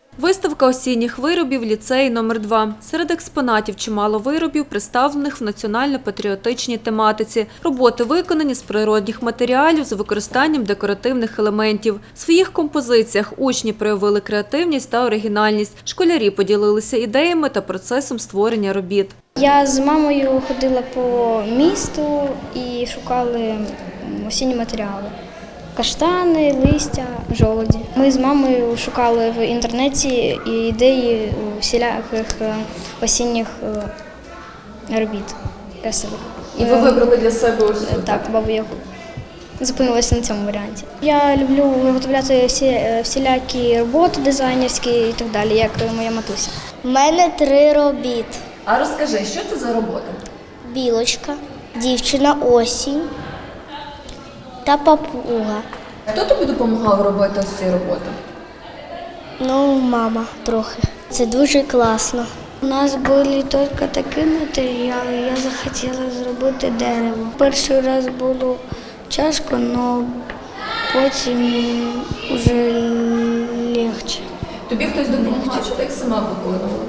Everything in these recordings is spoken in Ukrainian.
Виставка осінніх виробів ліцеї номер 2. Серед експонатів чимало виробів, представлених в національно-патріотичній тематиці. Роботи виконані з природних матеріалів з використанням декоративних елементів. В своїх композиціях учні проявили креативність та оригінальність. Школярі поділилися ідеями та процесом створення робіт. Я з мамою ходила по місту і шукали осінні матеріали. Каштани, листя, жолоді. Ми з мамою шукали в інтернеті ідеї всіляких осінніх робіт красивих. І ви вибрали для себе ось цю? Так, Бабу Ягу. Зупинилася на цьому варіанті. Я люблю виготовляти всілякі роботи дизайнерські і так далі, як моя матуся. У мене 3 робіт. А розкажи, що це за робота? Білочка, дівчина осінь та папуга. Хто тобі допомагав робити ось ці роботи? Ну, мама трохи. Це дуже класно. У нас були тільки такі матеріали, я захотіла зробити дерево. Перший раз було тяжко, але потім вже легше. Тобі хтось допомагав, чи ти їх сама виконувала?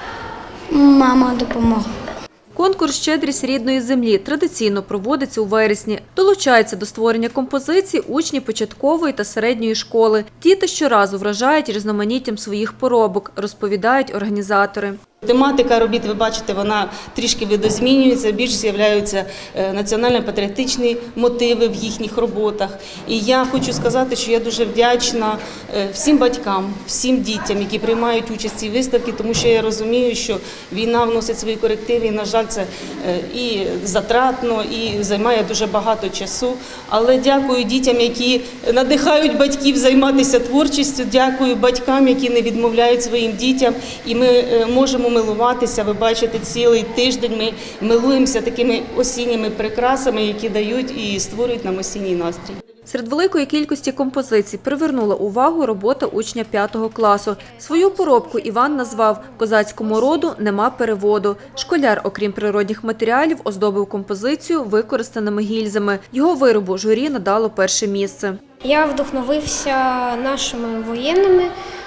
Мама допомогла. Конкурс «Щедрість рідної землі» традиційно проводиться у вересні. Долучаються до створення композицій учні початкової та середньої школи. Діти щоразу вражають різноманіттям своїх поробок, розповідають організатори. Тематика робіт, ви бачите, вона трішки видозмінюється, більш з'являються національно-патріотичні мотиви в їхніх роботах. І я хочу сказати, що я дуже вдячна всім батькам, всім дітям, які приймають участь в цій виставці, тому що я розумію, що війна вносить свої корективи, і, на жаль, це і затратно, і займає дуже багато часу. Але дякую дітям, які надихають батьків займатися творчістю, дякую батькам, які не відмовляють своїм дітям, і ми можемо милуватися. Ви бачите, цілий тиждень ми милуємося такими осінніми прикрасами, які дають і створюють нам осінній настрій. Серед великої кількості композицій привернула увагу робота учня 5 класу. Свою поробку Іван назвав «Козацькому роду нема переводу». Школяр, окрім природних матеріалів, оздобив композицію використаними гільзами. Його виробу журі надало перше місце. Я вдохновився нашими воєнними.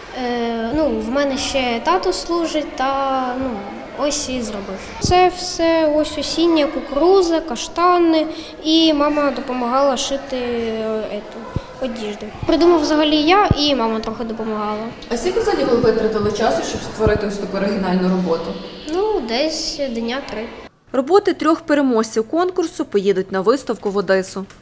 В мене ще тато служить, та ось і зробив. Це все ось осіння кукурудза, каштани, і мама допомагала шити одежду. Придумав взагалі я, і мама трохи допомагала. А скільки взагалі ви витратили часу, щоб створити ось таку оригінальну роботу? Десь дня 3. Роботи 3 переможців конкурсу поїдуть на виставку в Одесу.